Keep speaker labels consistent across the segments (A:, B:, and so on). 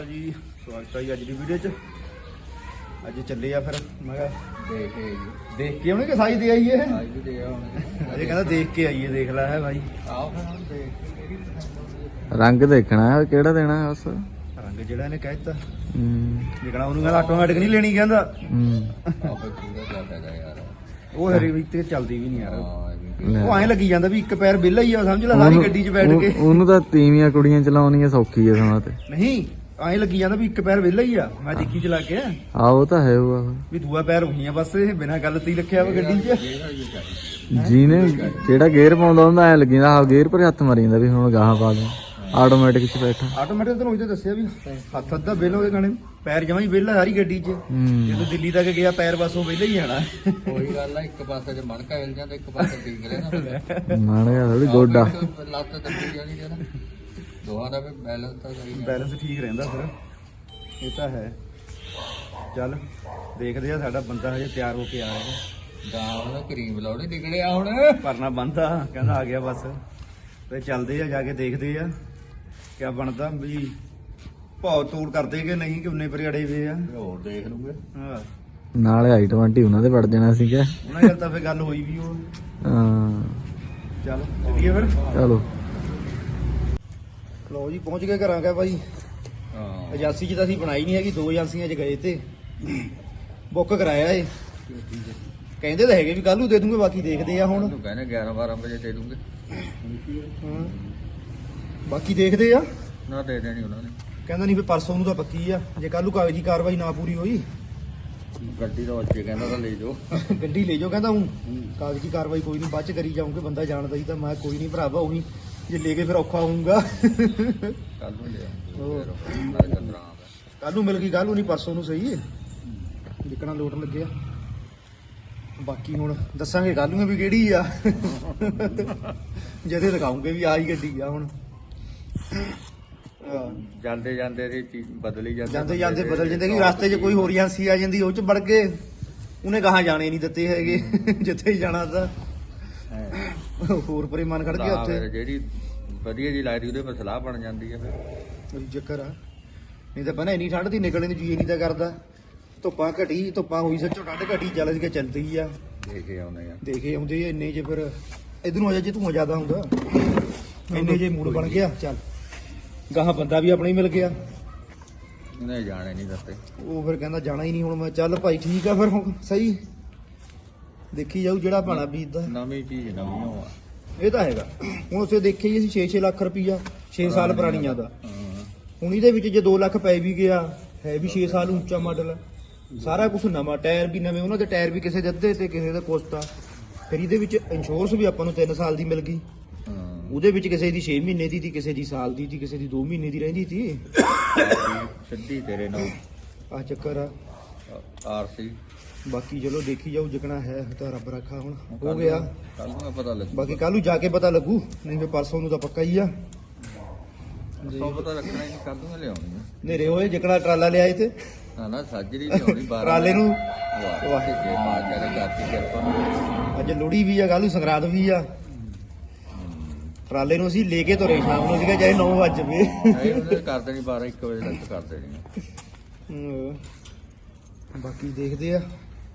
A: ਜੀ ਸਵਾਗਤ ਹੈ ਜੀ ਅੱਜ ਦੀ ਵੀਡੀਓ 'ਚ। ਅੱਜ ਚੱਲੇ ਆ ਫਿਰ ਮੈਂ ਕਿਹਾ ਦੇਖ ਕੇ ਆਉਣੇ ਕਿ ਸਾਈ ਦੇ ਆਈਏ। ਅਜੇ ਕਹਿੰਦਾ ਦੇਖ ਕੇ ਆਈਏ, ਦੇਖ ਲੈ ਹੈ ਭਾਈ।
B: ਰੰਗ ਦੇਖਣਾ ਹੈ ਕਿਹੜਾ ਦੇਣਾ ਬਸ
A: ਰੰਗ ਜਿਹੜਾ ਇਹਨੇ ਕਹਿਤਾ ਜਿਹੜਾ ਉਹਨੂੰ ਕਹਿੰਦਾ ਆਟੋਮੈਟਿਕ ਨਹੀਂ ਲੈਣੀ ਕਹਿੰਦਾ। ਉਹ ਹਰੀ ਵੀ ਤੇ ਚੱਲਦੀ ਵੀ ਨਹੀਂ ਯਾਰ। ਉਹ ਐਂ ਲੱਗੀ ਜਾਂਦਾ ਵੀ ਇੱਕ ਪੈਰ ਵਿਹਲਾ ਹੀ ਆ, ਸਮਝ ਲੈ ਸਾਰੀ ਗੱਡੀ 'ਚ ਬੈਠ ਕੇ।
B: ਉਹਨੂੰ ਤਾਂ ਤੀਵੀਆਂ ਕੁੜੀਆਂ ਚਲਾਉਣੀਆਂ ਸੌਖੀ ਆ ਸਮਾਂ ਤੇ
A: ਨਹੀਂ ਐਂ ਲੱਗੀ ਜਾਂਦਾ ਵੀ ਇੱਕ ਪੈਰ ਵਿਹਲਾ ਹੀ ਆ। ਮੈਂ ਦੇਖੀ ਚਲਾ ਕੇ
B: ਉਹ ਤਾਂ ਹੈ ਉਹ
A: ਵੀ ਦੂਆ ਪੈਰ ਹੋਈਆਂ ਬਸ ਇਹ ਬਿਨਾਂ ਗੱਲ ਤੇ ਹੀ ਰੱਖਿਆ ਵਾ ਗੱਡੀ 'ਚ।
B: ਜਿਹਨੇ ਜਿਹੜਾ ਗੇਅਰ ਪਾਉਂਦਾ ਹੁੰਦਾ ਐ ਲੱਗੀ ਜਾਂਦਾ ਗੇਅਰ ਪਰ ਹੱਥ ਮਾਰੀ ਜਾਂਦਾ ਵੀ ਹੁਣ ਗਾਹਾਂ ਪਾ ਦੇ ਆਟੋਮੈਟਿਕ 'ਚ ਬੈਠਾ।
A: ਆਟੋਮੈਟਿਕ ਤੈਨੂੰ ਉਹਦੇ ਦੱਸਿਆ ਵੀ ਹੱਥ ਅੱਧਾ ਵਿਹਲਾ ਉਹਦੇ ਗਾਣੇ ਪੈਰ ਜਮਾਂ ਹੀ ਵਿਹਲਾ ਸਾਰੀ ਗੱਡੀ 'ਚ। ਜਦੋਂ ਦਿੱਲੀ ਤੱਕ ਗਿਆ ਪੈਰ ਬਸ ਉਹ ਵਿਹਲਾ ਹੀ ਆਣਾ।
C: ਉਹੀ ਗੱਲ ਆ, ਇੱਕ ਪਾਸੇ ਜੇ ਮਣਕਾ ਹਿਲ ਜਾਂਦਾ ਇੱਕ ਪਾਸੇ ਠੀਕ ਰਹਿਣਾ।
B: ਮਾਣਿਆ ਥੋੜੀ ਗੋਡਾ
C: ਲੱਤ ਦੱਬੀ ਜਾਣੀ ਜਿਹੜਾ ਦੋਹਾਂ ਦਾ ਵੀ ਬੈਲੈਂਸ ਤਾਂ ਸਹੀ
A: ਬੈਲੈਂਸ ਠੀਕ ਰਹਿੰਦਾ ਫਿਰ। ਇਹ ਤਾਂ ਹੈ। ਚੱਲ ਦੇਖਦੇ ਆ, ਸਾਡਾ ਬੰਦਾ ਹਜੇ ਤਿਆਰ ਹੋ ਕੇ ਆ ਰਿਹਾ।
C: ਗਾਂ ਦਾ ਕਰੀਮ ਲਾਉਣੀ ਨਿਕਲਿਆ ਹੁਣ
A: ਪਰਨਾ ਬੰਦਾ ਕਹਿੰਦਾ ਆ ਗਿਆ ਬਸ। ਤੇ ਚੱਲਦੇ ਆ ਜਾ ਕੇ ਦੇਖਦੇ ਆ ਕਿਆ ਬਣਦਾ ਵੀ ਭਾਅ ਤੋੜ ਕਰਦੇ ਕਿ ਨਹੀਂ, ਕਿ ਉਨੇ ਪਰ ਅੜੇ ਵੇ ਆ।
C: ਹੋਰ ਦੇਖ ਲੂਗੇ।
A: ਹਾਂ
B: ਨਾਲੇ i20 ਉਹਨਾਂ ਦੇ ਵੜ ਜਾਣਾ ਸੀਗਾ।
A: ਉਹਨਾਂ ਨਾਲ ਤਾਂ ਫਿਰ ਗੱਲ ਹੋਈ ਵੀ ਉਹ।
B: ਹਾਂ
A: ਚੱਲ ਚੱਲੀਏ ਫਿਰ।
B: ਚਲੋ
A: ਲੋ ਜੀ ਪਹੁੰਚ ਗਏ ਘਰਾਂ ਕਾ ਭਾਈ।
C: ਹਾਂ
A: ਏਜੰਸੀ 'ਚ ਤਾਂ ਅਸੀਂ ਬਣਾਈ ਨਹੀਂ ਹੈਗੀ, 2 ਏਜੰਸੀਆਂ 'ਚ ਗਏ ਤੇ ਬੁੱਕ ਕਰਾਇਆ ਏ। ਕਹਿੰਦੇ ਤਾਂ ਹੈਗੇ ਵੀ ਕੱਲ ਨੂੰ ਦੇ ਦੂੰਗੇ, ਬਾਕੀ ਦੇਖਦੇ ਆ ਹੁਣ।
C: ਤੂੰ ਕਹਿੰਦੇ 11-12 ਵਜੇ ਦੇ ਦੂੰਗੇ।
A: ਹਾਂ ਬਾਕੀ ਦੇਖਦੇ ਆ।
C: ਨਾ ਦੇ ਦੇਣੀ ਉਹਨਾਂ ਨੇ।
A: ਕਹਿੰਦਾ ਨਹੀਂ ਵੀ ਪਰਸੋਂ ਨੂੰ ਤਾਂ ਪੱਕੀ ਆ, ਜੇ ਕੱਲ ਨੂੰ ਕਾਗਜ਼ੀ ਕਾਰਵਾਈ ਨਾ ਪੂਰੀ ਹੋਈ
C: ਗੱਡੀ ਦਾ ਬੱਚੇ ਕਹਿੰਦਾ ਤਾਂ ਲੈ ਜਾਓ।
A: ਗੱਡੀ ਲੈ ਜਾਓ ਕਹਿੰਦਾ। ਹੂੰ ਕਾਗਜ਼ੀ ਕਾਰਵਾਈ ਕੋਈ ਨਹੀਂ ਬਾਅਦ ਚ ਕਰੀ ਜਾਊਂਗੇ, ਬੰਦਾ ਜਾਣਦਾ ਹੀ ਤਾਂ। ਮੈਂ ਕੋਈ ਨਹੀਂ ਭਰਾਵਾ, ਉਹੀ ਜੇ ਲੈ ਕੇ ਫਿਰ ਔਖਾ ਹੋਊਗਾ।
C: ਕੱਲ ਨੂੰ ਲਿਆ
A: ਕੱਲ ਨੂੰ ਮਿਲ ਗਈ, ਕੱਲ ਨੂੰ ਨਹੀਂ ਪਰਸੋਂ ਨੂੰ ਸਹੀ ਜਿੱਕਣਾ ਲੋਟ ਲੱਗਿਆ। ਬਾਕੀ ਹੁਣ ਦੱਸਾਂਗੇ ਕੱਲ ਨੂੰ ਵੀ ਕਿਹੜੀ ਆ। ਜਦੇ ਦਿਖਾਉਂਗੇ ਵੀ ਆਹੀ ਗੱਡੀ ਆ ਹੁਣ।
C: ਜਾਂਦੇ ਜਾਂਦੇ ਦੀ ਚੀਜ਼ ਬਦਲੀ
A: ਜਾਂਦੇ ਜਾਂਦੇ ਬਦਲ ਜਾਂਦੇ ਕਿ ਰਸਤੇ 'ਚ ਕੋਈ ਹੋਰ ਏਜੰਸੀ ਆ ਜਾਂਦੀ, ਉਹ 'ਚ ਵੜ ਕੇ ਉਹਨੇ ਕਹਾਂ ਜਾਣੇ ਨਹੀਂ ਦਿੱਤੇ ਹੈਗੇ। ਜਿੱਥੇ ਹੀ ਜਾਣਾ ਤਾਂ ਹੋਰ ਪਰੇ ਮਨ ਖੜ ਗਿਆ ਉੱਥੇ।
C: ਜਿਹੜੀ ਵਧੀਆ ਜੀ ਲੱਗਦੀ ਉਹਦੇ ਪਰ ਸਲਾਹ ਬਣ ਜਾਂਦੀ ਹੈ ਫਿਰ
A: ਉਹੀ ਚੱਕਰ ਆ। ਨਹੀਂ ਤਾਂ ਪਹਿਲਾਂ ਇੰਨੀ ਠੰਡ ਦੀ ਨਿਕਲਣ ਨੂੰ ਜੀ ਨਹੀਂ ਤਾਂ ਕਰਦਾ। ਧੁੱਪਾਂ ਘਟੀ, ਧੁੱਪਾਂ ਹੋਈ ਸੱਚੋ ਠੰਡ ਘਟੀ ਚੱਲ ਕੇ ਚੱਲਦੀ ਆ।
C: ਦੇਖੇ ਆਉਂਦੇ ਆ
A: ਦੇਖੇ ਆਉਂਦੇ ਇੰਨੇ 'ਚ ਫਿਰ ਇਧਰੋਂ ਆ ਜਾ ਜੇ ਧੂਆਂ ਜ਼ਿਆਦਾ ਹੁੰਦਾ ਇੰਨੇ ਜੇ ਮੂਡ ਬਣ ਗਿਆ। ਚੱਲ ਗਾਹਾਂ ਬੰਦਾ ਵੀ ਆਪਣਾ ਹੀ ਮਿਲ ਗਿਆ।
C: ਉਹਨੇ ਜਾਣੇ ਨਹੀਂ ਦੱਸੇ।
A: ਉਹ ਫਿਰ ਕਹਿੰਦਾ ਜਾਣਾ ਹੀ ਨਹੀਂ ਹੁਣ। ਮੈਂ ਚੱਲ ਭਾਈ ਠੀਕ ਆ ਫਿਰ ਹੁਣ ਸਹੀ ਦੇਖੀ ਜਾਊ ਜਿਹੜਾ ਭਾਣਾ ਬੀਜਦਾ।
C: ਨਵੀਂ ਚੀਜ਼ ਨਵੀਂ ਹੋਆ
A: ਇਹ ਤਾਂ ਹੈਗਾ। ਹੁਣ ਉਸੇ ਦੇਖੇ ਹੀ ਅਸੀਂ 6-6 ਲੱਖ ਰੁਪਈਆ 6 ਸਾਲ ਪੁਰਾਣੀਆਂ ਦਾ।
C: ਹਾਂ
A: ਹੁਣ ਇਹਦੇ ਵਿੱਚ ਜੇ 2 ਲੱਖ ਪੈ ਵੀ ਗਿਆ, ਹੈ ਵੀ 6 ਸਾਲ ਉੱਚਾ ਮਾਡਲ, ਸਾਰਾ ਕੁਝ ਨਵਾਂ, ਟਾਇਰ ਵੀ ਨਵੇਂ। ਉਹਨਾਂ ਦੇ ਟਾਇਰ ਵੀ ਕਿਸੇ ਦੇ ਅੱਧੇ ਤੇ ਕਿਸੇ ਦੇ ਕੁਛ ਤਾਂ। ਫਿਰ ਇਹਦੇ ਵਿੱਚ ਇੰਸ਼ੋਰੈਂਸ ਵੀ ਆਪਾਂ ਨੂੰ 3 ਸਾਲ ਦੀ ਮਿਲ ਗਈ। ਉਹਦੇ ਵਿੱਚ ਕਿਸੇ ਦੀ 6 ਮਹੀਨੇ ਦੀ ਸੀ, ਕਿਸੇ ਦੀ ਸਾਲ ਦੀ ਸੀ, ਕਿਸੇ ਦੀ 2 ਮਹੀਨੇ ਦੀ ਰਹਿੰਦੀ ਸੀ।
C: ਸਿੱਧੀ ਤੇਰੇ ਨਾਲ
A: ਆਹ ਚੱਕਰ ਆ।
C: ਆਰਸੀ
A: ਬਾਕੀ ਚਲੋ ਦੇਖੀ ਜਾਊ, ਜਿਕਣਾ ਹੈ ਤਾਂ ਰੱਬ ਰੱਖਾ। ਹੁਣ ਹੋ ਗਿਆ,
C: ਕੱਲ ਨੂੰ ਪਤਾ ਲੱਗੂ।
A: ਬਾਕੀ ਕੱਲ ਨੂੰ ਜਾ ਕੇ ਪਤਾ ਲੱਗੂ, ਨਹੀਂ ਫਿਰ ਪਰਸੋਂ ਨੂੰ ਤਾਂ ਪੱਕਾ ਹੀ ਆ।
C: ਸੌ ਪਤਾ ਰੱਖਣਾ ਹੀ ਕੱਲ ਨੂੰ ਲਿਆਉਣੀ ਆ।
A: ਨੇਰੇ ਹੋਏ ਜਿਕਣਾ ਟਰਾਲਾ ਲਿਆਏ ਤੇ
C: ਨਾ ਨਾ ਸਾਜਰੀ ਲਿਆਉਣੀ 12
A: ਟਰਾਲੇ ਨੂੰ।
C: ਵਾਹ ਜੇ ਮਾਰ ਕੇ ਕਰਤੀ ਕਿਰਪਾ।
A: ਅੱਜ ਲੋਹੜੀ ਵੀ ਆ, ਕੱਲ ਨੂੰ ਸੰਗਰਾਂਦ ਵੀ ਆ। ਟਰਾਲੇ ਨੂੰ ਅਸੀਂ ਲੈ ਕੇ ਤੁਰੇ ਸ਼ਾਮ ਨੂੰ, ਸੀਗਾ ਚਾਹੇ 9 ਵਜ ਜਵੇ।
C: ਉਹਨੇ ਕਰ ਦੇਣੀ 12-1 ਵਜੇ ਤੱਕ ਕਰ ਦੇਣੀ।
A: ਬਾਕੀ ਦੇਖਦੇ ਆ।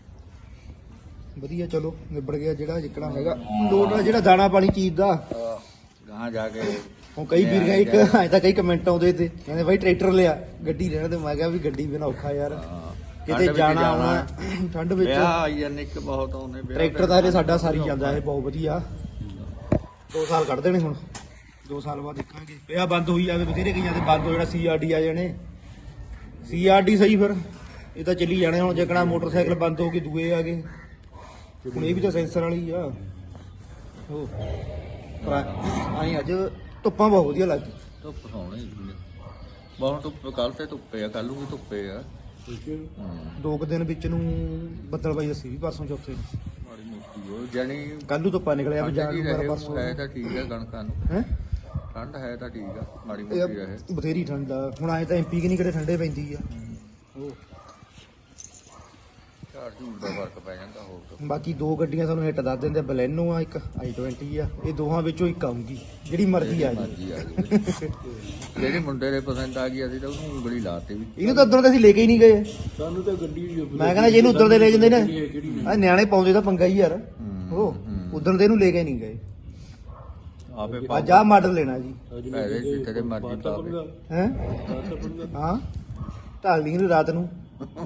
A: ਵਧੀਆ ਚਲੋ ਨਿਬੜ ਗਿਆ ਜਿਹੜਾ ਜਿਕਣਾ ਹੈਗਾ ਲੋਡ ਆ, ਜਿਹੜਾ ਦਾਣਾ ਪਾਣੀ ਚੀਜ਼ ਦਾ।
C: ਗਾਂ ਜਾ ਕੇ
A: ਹੁਣ ਕਈ ਵੀਰ ਗਏ ਇੱਕ ਐਂ ਤਾਂ ਕਈ ਕਮੈਂਟ ਆਉਂਦੇ ਤੇ ਕਹਿੰਦੇ ਬਾਈ ਟਰੈਕਟਰ ਲਿਆ ਗੱਡੀ ਰਹਿਣ ਤੇ। ਮੈਂ ਕਿਹਾ ਵੀ ਗੱਡੀ ਬਿਨਾ ਔਖਾ ਯਾਰ, ਕਿਤੇ ਜਾਣਾ ਆਉਣਾ ਠੰਡ ਵਿੱਚ।
C: ਵਿਆਹ ਆਈ ਜਾਂਦੇ ਇੱਕ ਬਹੁਤ ਆਉਂਦੇ
A: ਟਰੈਕਟਰ ਦਾ ਇਹ ਸਾਡਾ ਸਾਰੀ ਜਾਂਦਾ ਇਹ ਬਹੁਤ ਵਧੀਆ। 2 ਸਾਲ ਕੱਢ ਦੇਣੇ ਹੁਣ, 2 ਸਾਲ ਬਾਅਦ ਦੇਖਾਂਗੇ। ਵਿਆਹ ਬੰਦ ਹੋਈ ਜਾਵੇ, ਬਥੇਰੇ ਕਈਆਂ ਦੇ ਬੰਦ ਹੋ ਜਾਣਾ। CRD ਆ ਜਾਣੇ, CRD ਸਹੀ ਫਿਰ ਇਹ ਤਾਂ ਚੱਲੀ ਜਾਣੇ। ਹੁਣ ਜਿਕਣਾ ਮੋਟਰਸਾਈਕਲ ਬੰਦ ਹੋ ਗਏ, ਦੂਏ ਆ ਗਏ। ਹੁਣ ਇਹ ਵੀ ਤਾਂ ਸੈਂਸਰ ਵਾਲੀ ਆ। ਉਹ ਆਈ ਅੱਜ ਧੁੱਪਾਂ ਬਹੁਤ ਵਧੀਆ ਲੱਗਦੀ।
C: ਧੁੱਪ ਸੋਹਣੀ ਬਹੁਤ ਧੁੱਪ। ਕੱਲ ਤੇ ਧੁੱਪੇ ਆ, ਕੱਲ ਨੂੰ ਵੀ ਧੁੱਪੇ ਆ।
A: 2 ਦਿਨ ਵਿੱਚ ਨੂੰ ਬੱਦਲਬਾਈ ਦੱਸੀ ਵੀ ਪਰਸੋਂ ਚੌਥੇ ਨੂੰ।
C: ਮਾੜੀ ਮੋਟੀ ਉਹ ਜਾਨੀ
A: ਕੱਲ ਨੂੰ ਧੁੱਪਾਂ ਨਿਕਲਿਆ ਵੀ ਜਾਣ ਨੂੰ ਪਰਸੋਂ
C: ਹੈ ਤਾਂ ਠੀਕ ਹੈ। ਕਣਕਾਂ ਨੂੰ
A: ਹੈ
C: ਠੰਡ ਹੈ ਤਾਂ ਠੀਕ ਆ, ਮਾੜੀ ਮੋਟੀ ਰਹੇ।
A: ਬਥੇਰੀ ਠੰਡ ਆ। ਹੁਣ ਆਏ ਤਾਂ MP ਕਿ ਨਹੀਂ ਕਿਹੜੇ ਠੰਡੇ ਪੈਂਦੀ ਆ। ਉਹ
C: ਝਾੜ ਝੂੜ ਦਾ ਫਰਕ ਪੈ ਜਾਂਦਾ ਹੋਰ ਤਾਂ
A: ਬਾਕੀ ਦੋ ਗੱਡੀਆਂ ਸਾਨੂੰ ਹਿੱਟ ਦੱਸ ਦਿੰਦੇ, ਬਲੈਨੋ ਆ ਇੱਕ i20 ਆ, ਇਹ ਦੋਹਾਂ ਵਿੱਚੋਂ ਇੱਕ ਆਊਗੀ ਜਿਹੜੀ ਮਰਜ਼ੀ ਆ ਜੀ।
C: ਮਰਜ਼ੀ ਆ ਜਾਵੇ ਜਿਹੜੀ ਮੁੰਡੇ ਦੇ ਪਸੰਦ ਆ ਗਈ ਅਸੀਂ ਤਾਂ ਉਹਨੂੰ ਉਂਗਲੀ ਲਾਤੀ ਵੀ
A: ਇਹਨੂੰ ਤਾਂ ਉਧਰ ਤੇ ਅਸੀਂ ਲੈ ਕੇ ਹੀ ਨਹੀਂ ਗਏ।
D: ਸਾਨੂੰ ਤਾਂ ਗੱਡੀ
A: ਮੈਂ ਕਹਿੰਦਾ ਜੇ ਇਹਨੂੰ ਉਧਰ ਦੇ ਲੈ ਜਾਂਦੇ ਨੇ ਆ ਨਿਆਣੇ ਪਾਉਂਦੇ ਤਾਂ ਪੰਗਾ ਹੀ ਯਾਰ, ਉਹ ਉਧਰ ਦੇ ਇਹਨੂੰ ਲੈ ਕੇ ਨਹੀਂ ਗਏ।
C: ਆਪੇ
A: ਅੱਜ ਆਹ ਮਾਡਲ ਲੈਣਾ ਜੀ
C: ਪੈਸੇ ਜਿੱਥੇ ਦੇ ਮਰਜ਼ੀ ਪਾਵੇ
A: ਹੈ। ਹਾਂ ਢਾਲ ਲਈ ਨੂੰ ਰਾਤ ਨੂੰ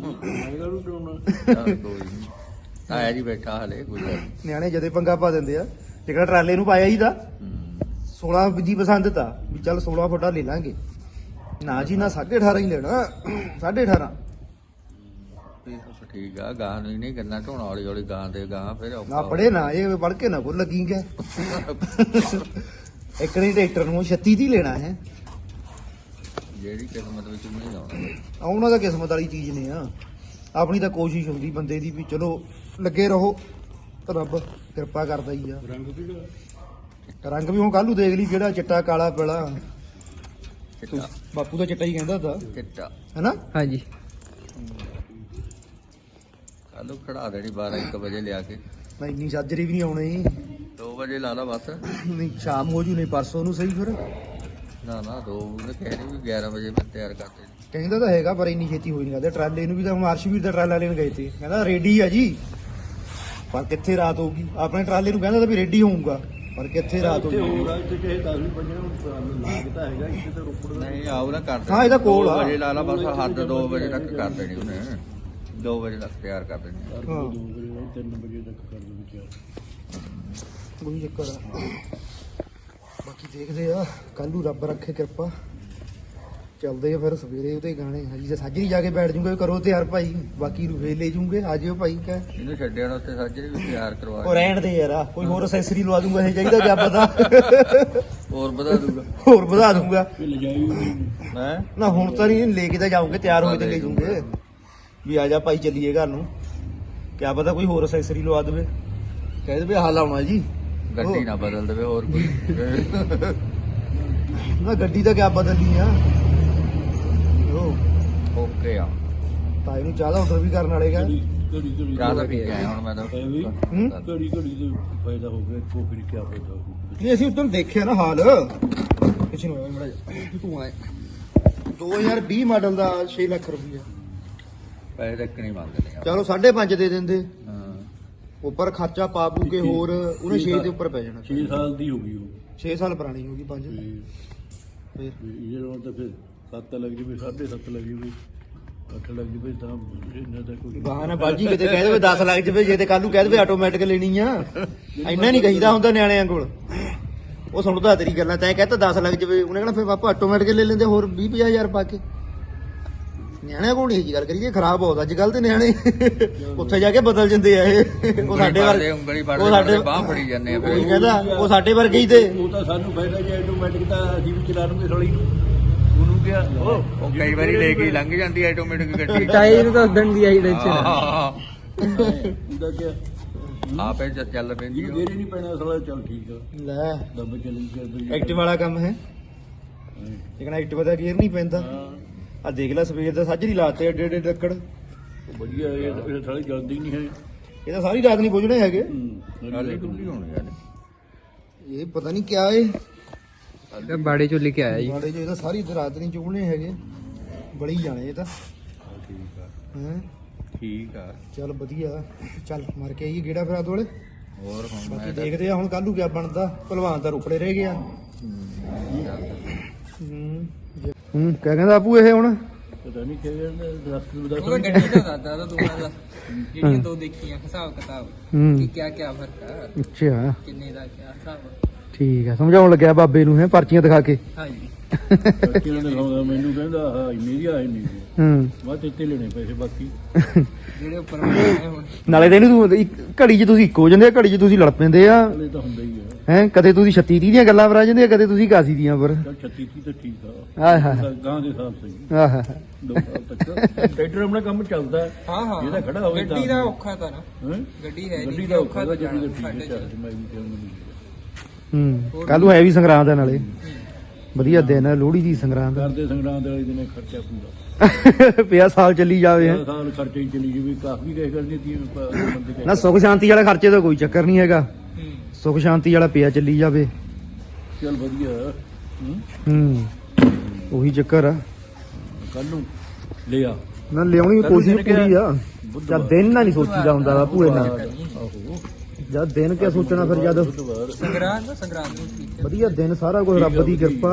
C: ਚੱਲ ਕੋਈ ਨਹੀਂ ਆਇਆ ਜੀ ਬੈਠਾ ਹਲੇ ਕੋਈ ਗੱਲ ਨੀ।
A: ਨਿਆਣੇ ਜਦੇ ਪੰਗਾ ਪਾ ਦਿੰਦੇ ਆ। ਜਿਹੜਾ ਟਰਾਲੇ ਨੂੰ ਪਾਇਆ ਹੀ ਦਾ 16 ਜੀ ਪਸੰਦ ਤਾਂ ਵੀ ਚੱਲ 16 ਫੁੱਟਾ ਲੈ ਲਾਂਗੇ, ਨਾ ਜੀ ਨਾ 18.5 ਹੀ ਲੈਣਾ 18.5।
C: ਠੀਕ ਆ ਗਾਂ ਨੂੰ ਹੀ ਨਹੀਂ ਕਰਨਾ ਢੋਣਾ ਹੌਲੀ ਹੌਲੀ ਗਾਂ ਦੇ ਗਾਂ ਫਿਰ ਔਖਾ
A: ਨਾ ਪੜੇ ਨਾ ਇਹ ਪੜ ਕੇ ਨਾ ਕੋ ਲੱਗੀ ਗਿਆ। ਇੱਕ ਨਹੀਂ ਟਰੈਕਟਰ ਨੂੰ 36 ਦੀ ਲੈਣਾ ਹੈ।
C: ਜਿਹੜੀ ਕਿਸਮਤ ਵਿੱਚ ਨਹੀਂ ਲਾਉਣਾ
A: ਉਹਨਾਂ ਦਾ ਕਿਸਮਤ ਵਾਲੀ ਚੀਜ਼ ਨੇ ਆ, ਆਪਣੀ ਤਾਂ ਕੋਸ਼ਿਸ਼ ਹੁੰਦੀ ਬੰਦੇ ਦੀ ਵੀ ਚਲੋ ਲੱਗੇ ਰਹੋ, ਤਾਂ ਰੱਬ ਕਿਰਪਾ ਕਰਦਾ ਹੀ ਆ। ਰੰਗ ਵੀ ਹੁਣ ਕੱਲ ਨੂੰ ਦੇਖ ਲਈ ਕਿਹੜਾ ਚਿੱਟਾ ਕਾਲਾ ਪੀਲਾ,
C: ਚਿੱਟਾ
A: ਬਾਪੂ ਦਾ ਚਿੱਟਾ ਹੀ ਕਹਿੰਦਾ ਹੁੰਦਾ
C: ਚਿੱਟਾ
A: ਹੈਨਾ।
B: ਹਾਂਜੀ
C: ਕੱਲ ਖੜਾ ਦੇਣੀ 12-1 ਵਜੇ ਲਿਆ ਕੇ
A: ਮੈਂ ਇੰਨੀ ਸਾਜਰੀ ਵੀ ਨਹੀਂ ਆਉਣੀ,
C: 2 ਵਜੇ ਲਾ ਲਾ ਬਸ
A: ਨਹੀਂ ਸ਼ਾਮ ਹੋ ਜੂ ਨਹੀਂ ਪਰਸੋਂ ਨੂੰ ਸਹੀ। ਫਿਰ
C: ਨਾ 2 ਉਹਨੇ ਕਹਿ ਵੀ 11 ਵਜੇ ਮੈਂ ਤਿਆਰ ਕਰਦੇ
A: ਕਹਿੰਦਾ ਤਾਂ ਹੈਗਾ ਪਰ ਇੰਨੀ ਛੇਤੀ ਹੋਈ ਨਹੀਂ ਕਰਦੇ। ਟਰਾਲੇ ਨੂੰ ਵੀ ਤਾਂ ਹੁਣ ਅਰਸ਼ਵੀਰ ਦਾ ਟਰਾਲਾ ਲੈਣ ਗਏ ਤੇ, ਕਹਿੰਦਾ ਰੈਡੀ ਆ ਜੀ, ਪਰ ਕਿੱਥੇ ਰਾਤ ਹੋਊਗੀ। ਆਪਣੇ ਟਰਾਲੇ ਨੂੰ ਕਹਿੰਦਾ ਤਾਂ ਵੀ ਰੈਡੀ ਹੋਊਗਾ, ਪਰ ਕਿੱਥੇ ਰਾਤ ਹੋਊਗੀ।
D: ਹੋਰ ਇੱਥੇ ਚਾਹੇ 10 ਵੀ ਵਜੇ ਹੁਣ ਲੱਗਦਾ ਹੈਗਾ ਇੱਥੇ ਤਾਂ ਰੋਪੜ ਦਾ
C: ਨਹੀਂ ਆਉ ਨਾ ਕਰਦੇ
A: ਹਾਂ, ਇਹਦਾ ਕੋਲ ਆ।
C: 2 ਵਜੇ ਲਾ ਲਾ ਬਸ ਹੱਦ 2 ਵਜੇ ਤੱਕ ਕਰ ਦੇਣੀ ਉਹਨੇ 2 ਵਜੇ ਤੱਕ ਤਿਆਰ ਕਰ ਦੇਣੀ
A: ਹਾਂ
D: 2 ਵਜੇ 3 ਵਜੇ ਤੱਕ ਕਰ ਦੇ ਵਿਚਾਰ
A: ਕੋਈ ਚੱਕਰ ਆ। ਬਾਕੀ ਦੇਖਦੇ ਆ ਕੱਲ ਨੂੰ ਰੱਬ ਰੱਖੇ ਕਿਰਪਾ, ਚੱਲਦੇ ਆ ਫਿਰ ਸਵੇਰੇ ਉਹਦੇ ਗਾਣੇ। ਹਜੀ ਤਾਂ ਸਾਜਰੀ ਜਾ ਕੇ ਬੈਠ ਜੂਗੇ, ਕਰੋ ਤਿਆਰ ਭਾਈ, ਬਾਕੀ ਨੂੰ ਫੇਰ ਲੈ ਜੂਗੇ। ਆ ਜਿਓ ਭਾਈ ਕਹਿ
C: ਇਹਨੂੰ ਛੱਡਿਆ ਨਾ ਉੱਥੇ ਸਾਜਰੇ ਵੀ ਤਿਆਰ ਕਰਵਾ
A: ਉਹ ਰਹਿਣ ਦੇ ਯਾਰ, ਕੋਈ ਹੋਰ ਅਸੈਸਰੀ ਲਵਾ ਦੂੰਗਾ ਇਹ ਚਾਹੀਦਾ ਕਿਆ ਪਤਾ
C: ਹੋਰ ਵਧਾ ਦੂਗਾ
A: ਹੋਰ ਵਧਾ ਦੂੰਗਾ।
D: ਇਹ ਲਜਾਈ ਹੋਈ
C: ਹੈ
A: ਨਾ ਹੁਣ ਤਾਂ ਨਹੀਂ, ਲੈ ਕੇ ਤਾਂ ਜਾਉਂਗੇ, ਤਿਆਰ ਹੋਏ ਤੇ ਲੈ ਜੂਗੇ ਵੀ ਆ ਜਾ ਭਾਈ ਚੱਲੀਏ ਘਰ ਨੂੰ। ਕਿਆ ਪਤਾ ਕੋਈ ਹੋਰ ਅਸੈਸਰੀ ਲਵਾ ਦੇਵੇ, ਕਹਿ ਦੇਵੇ ਹਾਲ ਆਉਣਾ ਜੀ।
C: ਗੱਡੀ ਨਾ ਬਦਲ ਦੇਵੇ ਹੋਰ ਕੋਈ
A: ਨਾ ਗੱਡੀ ਤਾਂ ਕਿਆ ਬਦਲਣੀ ਆ।
C: ਓਕੇ ਆ
A: ਤਾਈ ਨੂੰ ਚਾਹ ਦਾ ਆਰਡਰ ਵੀ ਕਰਨ ਵਾਲੇ ਗਾ।
D: ਘੜੀ
C: ਚਾਹ ਤਾਂ ਪੀ ਕੇ ਆਇਆ ਹੁਣ ਮੈਂ ਤਾਂ
D: ਵੀ
A: ਹੂੰ?
D: ਘੜੀ ਦੇ ਫਾਇਦਾ ਹੋ ਗਿਆ, ਕੋ ਫਿਰ ਕੀ ਫਾਇਦਾ ਹੋ
A: ਨਹੀਂ ਅਸੀਂ ਉਦੋਂ ਦੇਖਿਆ ਨਾ ਹਾਲ ਪਿੱਛੇ ਨੂੰ ਮੜਾ ਤੂੰ ਆਏ 2020 ਮਾਡਲ ਦਾ 6 ਲੱਖ ਰੁਪਈਆ।
C: ਪੈਸੇ ਤੱਕ ਨਹੀਂ ਮੰਗਦੇ ਨੇ
A: ਚਲੋ 5.5 ਦੇ ਦਿੰਦੇ,
C: ਹਾਂ
A: ਉੱਪਰ ਖਰਚਾ ਪਾ ਪੂ ਕੇ ਹੋਰ ਉਹਨੇ 6 ਦੇ ਉੱਪਰ ਪੈ ਜਾਣਾ।
D: 6 ਸਾਲ ਦੀ ਹੋ ਗਈ ਉਹ
A: 6 ਸਾਲ ਪੁਰਾਣੀ ਹੋ ਗਈ 5
D: ਤੇ
A: ਫਿਰ
D: ਇਹ ਲੋਨ ਤਾਂ ਫਿਰ 7 ਲੱਗ ਜਵੇ 7.5 ਲੱਗ ਜਵੇ 8 ਲੱਗ ਜਵੇ ਤਾਂ ਇਹਨਾਂ ਦਾ ਕੋਈ
A: ਬਹਾਨਾ ਬਾਜੀ ਕਿਤੇ ਕਹਿ ਦੇਵੇ 10 ਲੱਖ ਜਵੇ, ਜੇ ਤੇ ਕੱਲ ਨੂੰ ਕਹਿ ਦੇਵੇ ਆਟੋਮੈਟਿਕ ਲੈਣੀ ਆ। ਇੰਨਾ ਨਹੀਂ ਕਹੀਦਾ ਹੁੰਦਾ ਨਿਆਣਿਆਂ ਕੋਲ, ਉਹ ਸੁਣਦਾ ਤੇਰੀ ਗੱਲਾਂ। ਤੈਂ ਕਹਿਤਾ 10 ਲੱਖ ਜਵੇ, ਉਹਨੇ ਕਹਿਣਾ ਫਿਰ ਪਾਪਾ ਆਟੋਮੈਟਿਕ ਲੈ ਲੈਂਦੇ ਹੋਰ 20-50 ਪਾ ਕੇ। ਨਿਆਣਿਆਂ ਕੋਲ ਨਹੀਂ ਜੀ ਗੱਲ ਕਰੀਏ, ਖਰਾਬ ਬਹੁਤ ਅੱਜ ਕੱਲ ਤੇ ਨਿਆਣੇ ਉੱਥੇ ਜਾ ਕੇ ਬਦਲ ਜਾਂਦੇ ਆ ਇਹ। ਉਹ ਸਾਡੇ ਵਰਗੇ,
C: ਉਂਗਲੀ
A: ਉਹ
C: ਫੜਦੇ
A: ਸਾਡੇ
C: ਬਾਹ ਫੜੀ ਜਾਂਦੇ ਆ
A: ਉਹੀ
C: ਫਿਰ
A: ਕਹਿੰਦਾ ਉਹ ਸਾਡੇ ਵਰਗੇ ਹੀ ਤੇ।
D: ਉਹ ਤਾਂ ਸਾਨੂੰ ਫਾਇਦਾ ਜੇ ਆਟੋਮੈਟਿਕ ਤਾਂ ਅਸੀਂ ਵੀ ਚਲਾ ਲੂਗੇ ਥੋੜੀ ਉਹਨੂੰ ਕਿਹਾ
C: ਉਹ ਕਈ ਵਾਰੀ ਲੈ ਕੇ ਲੰਘ ਜਾਂਦੀ ਆਟੋਮੈਟਿਕ ਗੱਡੀ
B: ਟਾਈ ਨੂੰ ਤਾਂ ਉਦਣ ਦੀ ਆਈ ਟੈਨਸ਼ਨ
D: ਉਹਦਾ ਕਿਹਾ
C: ਆਪੇ ਚੱਲ ਪੈਂਦੀ
D: ਇਹਨੂੰ ਗੇਰੇ ਨਹੀਂ ਪੈਣਾ ਸਾਲਾ, ਚੱਲ ਠੀਕ ਆ
A: ਲੈ
D: ਦੱਬ ਚੱਲੀ ਚੱਲ
A: ਐਕਟਿਵ ਵਾਲਾ ਕੰਮ ਹੈ, ਲੇਕਿਨ ਐਕਟਿਵ ਦਾ ਗੇਅਰ ਨਹੀਂ ਪੈਂਦਾ। ਆ ਦੇਖ ਲੈ ਸਵੇਰ ਦਾ ਸਾਜਰੀ ਲਾਤੇ ਏਡੇ ਏਡੇ ਡੱਕੜ,
D: ਵਧੀਆ ਇਹ ਸਾਲੀ ਜਲਦੀ ਨਹੀਂ ਹੈ
A: ਇਹ ਤਾਂ ਸਾਰੀ ਰਾਤ ਨਹੀਂ ਪੁੱਜਣੇ ਹੈਗੇ।
C: ਹਾਲੇ ਟੁੱਟੀ ਹੋਣੀ ਯਾਰ
A: ਇਹ ਪਤਾ ਨਹੀਂ ਕਿਆ ਏ,
B: ਬਾੜੇ ਚੋਂ ਲੈ ਕੇ ਆਇਆ ਜੀ।
A: ਬਾੜੇ ਜੋ ਇਹ ਤਾਂ ਸਾਰੀ ਰਾਤ ਨਹੀਂ ਚੁਗਣੇ ਹੈਗੇ, ਬੜੀ ਜਾਣੇ ਇਹ ਤਾਂ
C: ਠੀਕ ਆ
A: ਹੈ।
C: ਠੀਕ ਆ
A: ਚੱਲ ਵਧੀਆ, ਚੱਲ ਮਾਰ ਕੇ ਆਈਏ ਗੇੜਾ ਫਿਰ ਆਦ ਵਾਲੇ।
C: ਹੋਰ ਹੁਣ
A: ਬਾਕੀ
C: ਮੈਂ
A: ਦੇਖਦੇ ਆ ਹੁਣ ਕੱਲ ਨੂੰ ਕਿਆ ਬਣਦਾ। ਭਲਵਾਨ ਤਾਂ ਰੁਪੜੇ ਰਹਿ ਗਿਆ। ਹੂੰ ਕਿਆ ਕਹਿੰਦਾ ਆਪੂ ਇਹ ਹੁਣ
D: ਪਤਾ ਨਹੀਂ ਕਿਹੜੇ ਦਰਖਤ ਨੂੰ ਦੱਸ
E: ਉਹ ਗੱਡੀ ਦਾ ਦਾਦਾ ਦਾ ਦੋਹਾਂ ਦਾ ਜਿਹੜੀਆਂ ਦੋ ਦੇਖੀਆਂ ਹਿਸਾਬ ਕਿਤਾਬ ਕਿ ਕਿਆ ਫਰਕ ਆ,
A: ਅੱਛਾ
E: ਕਿੰਨੇ ਦਾ ਕਿਆ ਹਿਸਾਬ।
A: ਠੀਕ ਆ, ਸਮਝਾਉਣ ਲੱਗਿਆ ਬਾਬੇ ਨੂੰ ਹੈ ਪਰਚੀਆਂ ਦਿਖਾ ਕੇ।
E: ਹਾਂਜੀ
D: ਕਿਹਨੇ ਦਿਖਾਉਂਦਾ ਮੈਨੂੰ, ਕਹਿੰਦਾ ਹਾਂ ਇੰਨੀ ਦੀ ਆ ਇੰਨੀ ਦੀ।
A: ਹੂੰ
D: ਮੈਂ ਤੇ ਲੈਣੇ ਪੈਸੇ ਬਾਕੀ
E: ਜਿਹੜੇ ਉੱਪਰ ਬਣਾਏ ਹੁਣ
A: ਨਾਲੇ ਤਾਂ ਇਹਨੂੰ ਤੂੰ ਘੜੀ 'ਚ ਤੁਸੀਂ ਇੱਕੋ ਜਾਂਦੇ ਆ, ਘੜੀ 'ਚ ਤੁਸੀਂ ਲੜ ਪੈਂਦੇ ਆ
D: ਹਲੇ ਤਾਂ ਹੁੰਦਾ ਹੀ ਆ।
A: ਹੈ। ਕਦੇ ਤੁਸੀਂ 36 30 ਦੀਆਂ ਗੱਲਾਂ ਬਰਾ ਜਾਂਦੇ ਆ, ਕਦੇ ਤੁਸੀਂ 81 ਦੀਆਂ ਪਰ।
D: ਚੱਲ 36 30 ਤਾਂ ਠੀਕ ਆ,
A: ਆਹ ਹਾ
D: ਗਾਂ ਦੇ ਹਿਸਾਬ ਸਹੀ
A: ਆਹ
D: 2 ਸਾਲ ਤੱਕ ਟਰੈਕਟਰ ਆਪਣਾ ਕੰਮ ਚੱਲਦਾ ਹੈ।
E: ਹਾਂ ਹਾਂ
D: ਜਿਹਦਾ ਖੜਾ ਹੋਵੇ
E: ਗੱਡੀ ਦਾ ਔਖਾ ਤਾਂ ਨਾ,
D: ਹੈਂ?
E: ਗੱਡੀ ਹੈ
D: ਗੱਡੀ
E: ਨਹੀਂ
D: ਦਾ
E: ਔਖਾ ਤਾਂ
D: ਗੱਡੀ ਦਾ
E: ਜਾਣਾ
D: ਠੀਕ ਹੈ,
E: ਸਾਡੇ
D: ਚੱਲ
E: ਚ।
D: ਮੈਂ ਵੀ ਚਾਹੁੰਦਾ
A: ਹੂੰ ਕੱਲ ਨੂੰ ਹੈ ਵੀ ਸੰਗਰਾਂਦ ਆ, ਨਾਲੇ ਵਧੀਆ ਦਿਨ ਹੈ ਲੋਹੜੀ ਦੀ ਸੰਗਰਾਂਦ।
D: ਕਰਦੇ ਸੰਗਰਾਂਦ ਵਾਲੇ ਦਿਨੇ ਖਰਚਾ ਪੂਰਾ
A: ਪਿਆ ਸਾਲ ਚੱਲੀ ਜਾਵੇ ਹੈਂ।
D: ਸਾਲ ਖਰਚੇ ਹੀ ਚਲੀ ਜੀ ਵੀ ਕਾਫੀ ਕਹਿ ਕਰਨੀ ਸੀ ਬੰਦੇ ਕਹਿ
A: ਨਾ ਸੁੱਖ ਸ਼ਾਂਤੀ ਵਾਲਾ ਖਰਚੇ ਦਾ ਕੋਈ ਚੱਕਰ ਨਹੀਂ ਹੈਗਾ, ਸੁੱਖ ਸ਼ਾਂਤੀ ਵਾਲਾ ਪਿਆ ਚੱਲੀ ਜਾਵੇ।
D: ਚੱਲ ਵਧੀਆ
A: ਉਹੀ ਚੱਕਰ ਆ।
D: ਕੱਲ ਨੂੰ ਲਿਆ
A: ਨਾ ਲਿਆਉਣੀ ਕੋਸ਼ਿਸ਼ ਪੂਰੀ ਆ। ਜਦ ਦਿਨ ਨਾਲ ਨਹੀਂ ਸੋਚੀਦਾ ਹੁੰਦਾ ਵਾ ਭੂਏ ਨਾਲ,
D: ਆਹੋ
A: ਜਦ ਦਿਨ ਕਿਆ ਸੋਚਣਾ ਫਿਰ ਜਦ
D: ਬੁੱਧਵਾਰ
E: ਸੰਗਰਾਂਦ ਨੂੰ ਠੀਕ ਹੈ।
A: ਵਧੀਆ ਦਿਨ ਸਾਰਾ ਕੁਝ ਰੱਬ ਦੀ ਕਿਰਪਾ,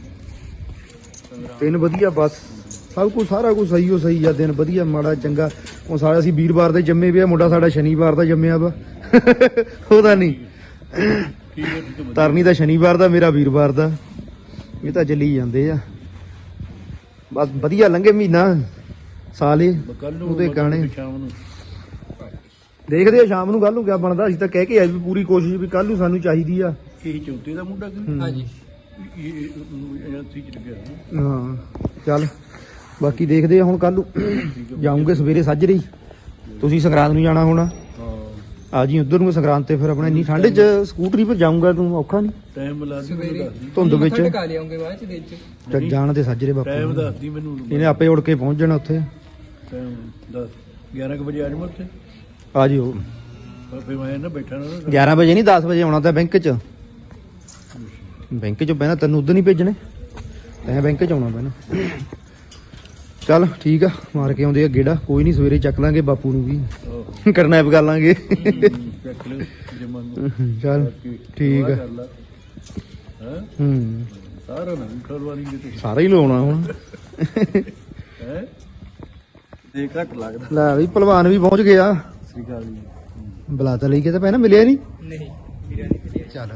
A: ਦਿਨ ਵਧੀਆ ਬਸ ਸਭ ਕੁਝ ਸਾਰਾ ਕੁਝ ਸਹੀ ਹੋ ਸਹੀ ਆ। ਦਿਨ ਵਧੀਆ ਮਾੜਾ ਚੰਗਾ। ਹੁਣ ਸਾਡਾ ਅਸੀਂ ਵੀਰਵਾਰ ਦੇ ਜੰਮੇ ਵੀ ਆ, ਮੁੰਡਾ ਸਾਡਾ ਸ਼ਨੀਵਾਰ ਦਾ ਜੰਮਿਆ ਵਾ। ਉਹਦਾ ਨਹੀਂ
D: ਠੀਕ ਹੈ ਠੀਕ ਹੈ
A: ਤਰਨੀ ਦਾ ਸ਼ਨੀਵਾਰ ਦਾ, ਮੇਰਾ ਵੀਰਵਾਰ ਦਾ। ਇਹ ਤਾਂ ਚੱਲੀ ਜਾਂਦੇ ਆ ਬਸ। ਵਧੀਆ ਲੰਘੇ ਮਹੀਨਾ ਸਾਲੇ
D: ਕੱਲ ਨੂੰ
A: ਉਹਦੇ ਗਾਣੇ
D: ਸ਼ਾਮ ਨੂੰ
A: ਦੇਖਦੇ ਆ ਸ਼ਾਮ ਨੂੰ। ਕੱਲ ਨੂੰ ਕਿਆ ਬਣਦਾ। ਅਸੀਂ ਤਾਂ ਕਹਿ ਕੇ ਆਏ ਵੀ ਪੂਰੀ ਕੋਸ਼ਿਸ਼ ਵੀ ਕੱਲ ਨੂੰ ਸਾਨੂੰ ਚਾਹੀਦੀ ਆ।
D: ਇਹ ਚੌਥੇ ਦਾ ਮੁੰਡਾ ਕਿ
E: ਹਾਂਜੀ
D: ਇਹ ਏਜੰਸੀ ਚ ਲੱਗਿਆ
A: ਹਾਂ ਚੱਲ ਬਾਕੀ ਦੇਖਦੇ ਆ ਹੁਣ ਕੱਲ ਨੂੰ ਜਾਊਂਗੇ ਸਵੇਰੇ ਸਾਜਰੇ। ਤੁਸੀਂ ਸੰਗਰਾਂਦ ਨੂੰ ਜਾਣਾ ਹੋਣਾ,
D: ਹਾਂ
A: ਆ ਜੀ ਉਧਰ ਨੂੰ ਸੰਗਰਾਂਦ ਤੇ। ਫਿਰ ਆਪਣੇ ਇੰਨੀ ਠੰਡ 'ਚ ਸਕੂਟਰੀ 'ਤੇ ਜਾਊਂਗਾ ਤੂੰ, ਔਖਾ ਨਹੀਂ
D: ਟਾਈਮ ਲਾ ਦੀ ਮੈਨੂੰ ਦੱਸ ਦੀ
A: ਧੁੰਦ ਵਿੱਚ।
E: ਟਕਾ ਲਿਆਉਂਗੇ ਬਾਅਦ ਚ ਦਿਨ ਚ।
A: ਚੱਲ ਜਾਣ ਤੇ ਸਾਜਰੇ
D: ਟਾਈਮ
A: ਬਾਪੂ
D: ਦੱਸ ਦੀ ਮੈਨੂੰ
A: ਇਹਨੇ ਆਪੇ ਉੜ ਕੇ ਪਹੁੰਚ ਜਾਣਾ ਉੱਥੇ।
D: ਟਾਈਮ 11 ਵਜੇ ਆ ਜਾਵਾਂ ਉੱਥੇ।
A: ਆ ਜਿਓ
D: ਫਿਰ ਮੈਂ ਨਾ ਬੈਠਾ ਨਾ
A: 11 ਵਜੇ ਨਹੀਂ 10 ਵਜੇ ਆਉਣਾ ਤਾਂ ਬੈਂਕ 'ਚ। ਬੈਂਕ 'ਚ ਬਹਿਣਾ ਤੈਨੂੰ ਉਧਰ ਨਹੀਂ ਭੇਜਣੇ, ਤੈਂ ਬੈਂਕ 'ਚ ਆਉਣਾ ਪੈਣਾ। ਚੱਲ ਠੀਕ ਆ, ਮਾਰ ਕੇ ਆਉਂਦੇ ਆ ਗੇੜਾ। ਕੋਈ ਨਹੀਂ ਸਵੇਰੇ ਚੱਕ ਲਾਂਗੇ ਬਾਪੂ ਨੂੰ ਵੀ, ਕਰਨੈਪ ਕਰ ਲਾਂਗੇ।
D: ਚੱਕ ਲਿਓ ਜੇ ਮੰਨ
A: ਚੱਲ ਠੀਕ ਆ।
D: ਹੈ ਸਾਰਾ ਨਾ ਖਲਵਾਰੀ ਕਿਤੇ
A: ਸਾਰਾ ਹੀ ਲਾਉਣਾ ਹੁਣ।
D: ਹੈ
C: ਦੇ ਘੱਟ ਲੱਗਦਾ।
A: ਲੈ ਵੀ ਭਲਵਾਨ ਵੀ ਪਹੁੰਚ ਗਿਆ।
D: ਸ੍ਰੀ ਅਕਾਲ ਜੀ।
A: ਬੁਲਾ ਤਾਂ ਲਈ ਕਿਤੇ ਪਹਿਲਾਂ ਮਿਲਿਆ ਨਹੀਂ।
E: ਨਹੀਂ ਵੀਰਾਂ ਨਹੀਂ ਮਿਲਿਆ।
A: ਚੱਲ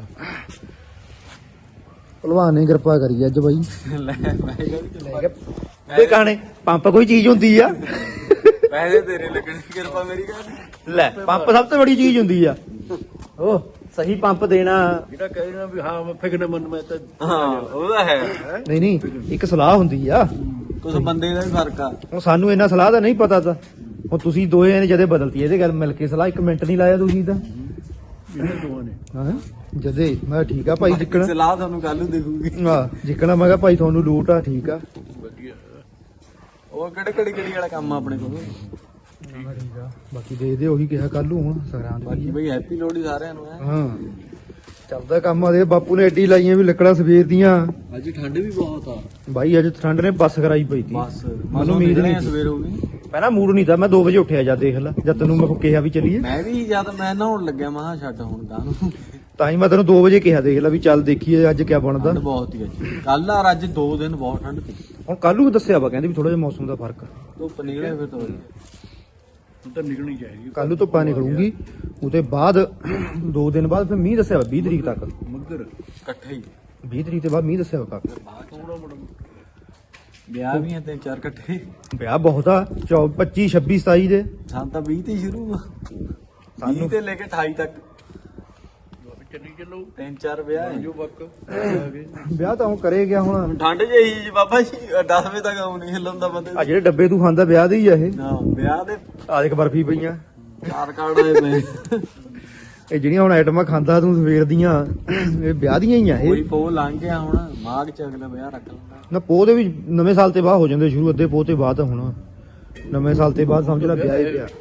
A: ਭਲਵਾਨ ਨੇ ਕਿਰਪਾ ਕਰੀ ਅੱਜ ਬਾਈ।
C: ਲੈ ਮੈਂ
A: ਇਹ ਕਹਾਣੇ ਪੰਪ ਕੋਈ ਚੀਜ਼ ਹੁੰਦੀ ਆ।
C: ਪੈਸੇ ਤੇਰੇ ਲੱਗਣੇ ਕਿਰਪਾ ਮੇਰੀ ਕਰ।
A: ਲੈ ਪੰਪ ਸਭ ਤੋਂ ਬੜੀ ਚੀਜ਼ ਹੁੰਦੀ ਆ। ਉਹ ਸਹੀ ਪੰਪ ਦੇਣਾ।
D: ਜਿਹੜਾ ਕਹਿਣਾ ਵੀ ਹਾਂ ਮੈਂ ਫਿਕਰ ਮਨ ਮੈਂ ਤਾਂ
C: ਹਾਂ ਉਹਦਾ ਹੈ
A: ਨਹੀਂ ਨਹੀਂ ਇੱਕ ਸਲਾਹ ਹੁੰਦੀ ਆ।
C: ਕੁਝ ਬੰਦੇ ਦਾ ਵੀ ਫਰਕ ਆ।
A: ਹੁਣ ਸਾਨੂੰ ਇਹਨਾਂ ਸਲਾਹ ਦਾ ਨਹੀਂ ਪਤਾ ਤਾਂ ਹੁਣ ਤੁਸੀਂ ਦੋਏ ਨੇ ਜਦੇ ਬਦਲਤੀ ਇਹਦੇ ਗੱਲ ਮਿਲ ਕੇ ਸਲਾਹ। 1 ਮਿੰਟ ਨਹੀਂ ਲਾਇਆ ਤੁਸੀਂ ਤਾਂ।
D: ਇਹਨਾਂ ਦੋਵਾਂ ਨੇ
A: ਹਾਂ ਜਦੇ ਮੈਂ ਠੀਕ ਆ ਭਾਈ ਜਿੱਕਣਾ।
C: ਸਲਾਹ ਤੁਹਾਨੂੰ ਕੱਲ ਨੂੰ ਦੇਖੂਗੀ।
A: ਹਾਂ ਜਿੱਕਣਾ ਮੈਂ ਕਿਹਾ ਭਾਈ ਤੁਹਾਨੂੰ ਲੂਟ ਆ ਠੀਕ ਆ।
D: ਵਧੀਆ
C: ਉਹ ਕਿਹੜੀ ਵਾਲਾ ਕੰਮ ਆ ਆਪਣੇ ਕੋਲ।
A: ਠੀਕ ਆ ਬਾਕੀ ਦੇਖਦੇ ਉਹੀ ਕਿਹਾ ਕੱਲ ਨੂੰ ਹੁਣ ਸੰਗਰਾਂਦ
C: ਬਾਕੀ ਬਈ ਹੈਪੀ ਲੋਹੜੀ ਸਾਰਿਆਂ ਨੂੰ ਹੈ।
A: ਹਾਂ ਚੱਲਦਾ ਕੰਮ ਆ। ਦੇ ਬਾਪੂ ਨੇ ਐਡੀ ਲਾਈਆਂ ਵੀ ਲੱਕੜਾਂ ਸਵੇਰ ਦੀਆਂ।
C: ਅੱਜ ਠੰਡ ਵੀ ਬਹੁਤ ਆ
A: ਬਾਈ ਅੱਜ ਠੰਡ ਨੇ ਬੱਸ ਕਰਾਈ ਪਈ ਤੀ।
C: ਬਸ
A: ਮੈਨੂੰ ਉਮੀਦ ਨਹੀਂ ਸੀ।
C: ਸਵੇਰ ਹੋ ਗਈ।
A: ਪਹਿਲਾਂ ਮੂਡ ਨਹੀਂ ਤਾਂ ਮੈਂ 2 ਵਜੇ ਉੱਠਿਆ ਜਦ ਦੇਖ ਲੈ ਜਦ ਤੈਨੂੰ ਮੈਂ ਕਿਹਾ ਵੀ ਚੱਲੀਏ।
C: ਮੈਂ ਵੀ ਜਦ ਮੈਂ ਨਹਾਉਣ ਲੱਗਿਆ ਮੈਂ ਕਿਹਾ ਛੱਡ ਹੁਣ ਗਾਂ ਨੂੰ।
A: ਤਾਂ ਹੀ ਮੈਂ ਤੈਨੂੰ 2 ਵਜੇ ਕਿਹਾ ਦੇਖ ਲੈ ਵੀ ਚੱਲ ਦੇਖੀਏ ਅੱਜ ਕਿਆ ਬਣਦਾ।
C: ਠੰਡ ਬਹੁਤ ਹੀ ਅੱਜ ਕੱਲ ਆ ਅੱਜ 2 ਦਿਨ ਬਹੁਤ ਠੰਡ ਸੀ।
A: ਹੁਣ ਕੱਲ ਨੂੰ ਦੱਸਿਆ ਵਾ ਕਹਿੰਦੇ ਵੀ ਥੋੜਾ ਜਿਹਾ ਮੌਸਮ ਦਾ ਫਰਕ।
C: ਧੁੱਪ ਨਿਕਲੇ ਫਿਰ ਤੋਂ
D: ਹੁਣ ਤਾਂ ਨਿਕਲਣੀ ਚਾਹੀਦੀ
A: ਕੱਲ ਨੂੰ ਧੁੱਪਾਂ ਨਿਕਲੂਗੀ ਉਹਦੇ ਬਾਅਦ 2 ਦਿਨ ਬਾਅਦ ਫਿਰ ਮੀਂਹ ਦੱਸਿਆ ਵਾ 20 ਤਰੀਕ ਤੱਕ।
D: ਮੱਗਰ
C: ਇਕੱਠੇ ਹੀ
A: 20 ਤਰੀਕ ਤੋਂ ਬਾਅਦ ਮੀਂਹ ਦੱਸਿਆ ਵਾ ਕਾਫੀ।
D: ਥੋੜਾ ਬੜਾ
C: ਵਿਆਹ ਵੀ ਆ 3-4 ਇਕੱਠੇ।
A: ਵਿਆਹ ਬਹੁਤ ਆ 25 26 27 ਦੇ।
C: ਸਾਨੂੰ ਤਾਂ 20 ਤੇ ਹੀ ਸ਼ੁਰੂ ਆ। 20 ਤੇ ਲੈ ਕੇ 28 ਤੱਕ
D: ਚੱਲੀ ਚੱਲੋ
C: 3-4 ਵਿਆਹ ਹੈ।
D: ਜੋ ਵਕ ਆ ਗਏ
A: ਵਿਆਹ ਤਾਂ ਹੁਣ ਕਰੇ ਗਿਆ ਹੁਣ।
C: ਠੰਡ ਜਿਹੀ ਜੀ ਬਾਬਾ ਜੀ 10 ਵਜੇ ਤੱਕ ਆਉ ਨਹੀਂ ਹਿੱਲਣ ਦਾ ਬੰਦੇ
A: ਆ ਜਿਹੜੇ ਡੱਬੇ ਤੂੰ ਖਾਂਦਾ ਵਿਆਹ ਦੇ ਹੀ ਆ ਇਹ।
C: ਨਾ ਵਿਆਹ ਦੇ
A: ਆ ਦੇਖ ਬਰਫੀ ਪਈਆਂ।
C: 4 ਕਾਰਡ ਆਏ ਪਏ।
A: ਇਹ ਜਿਹੜੀਆਂ ਹੁਣ ਆਈਟਮਾਂ ਖਾਂਦਾ ਤੂੰ ਸਵੇਰ ਦੀਆਂ ਇਹ ਵਿਆਹ ਦੀਆਂ ਹੀ ਆ
C: ਕੋਈ
A: ਇਹ।
C: ਪੋ ਲੰਘ ਗਿਆ ਹੁਣ ਮਾਘ ਚ ਅਗਲਾ ਵਿਆਹ ਰੱਖ ਲੈਂਦਾ।
A: ਨਾ ਪੋਹ ਦੇ ਵੀ ਨਵੇਂ ਸਾਲ ਤੇ ਬਾਅਦ ਹੋ ਜਾਂਦੇ ਸ਼ੁਰੂ। ਅੱਧੇ ਪੋਹ ਤੇ ਬਾਅਦ ਹੁਣ ਨਵੇਂ ਸਾਲ ਤੇ ਬਾਅਦ ਸਮਝ ਲੈ ਵਿਆਹ ਹੀ ਪਿਆ।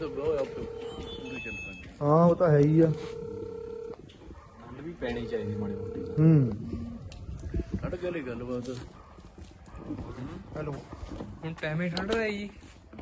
A: ਹਾਂ ਉਹ ਤਾਂ ਹੈ ਹੀ ਆ।
C: ਠੰਡ ਵੀ ਪੈਣੀ ਚਾਹੀਦੀ ਮਾੜੀ ਮੋਟੀ।
D: ਛੱਡ ਗਏ ਗੱਲਬਾਤ
A: ਹੈਲੋ
E: ਹੁਣ ਟਾਈਮ ਹੀ ਠੰਡ ਦਾ ਜੀ।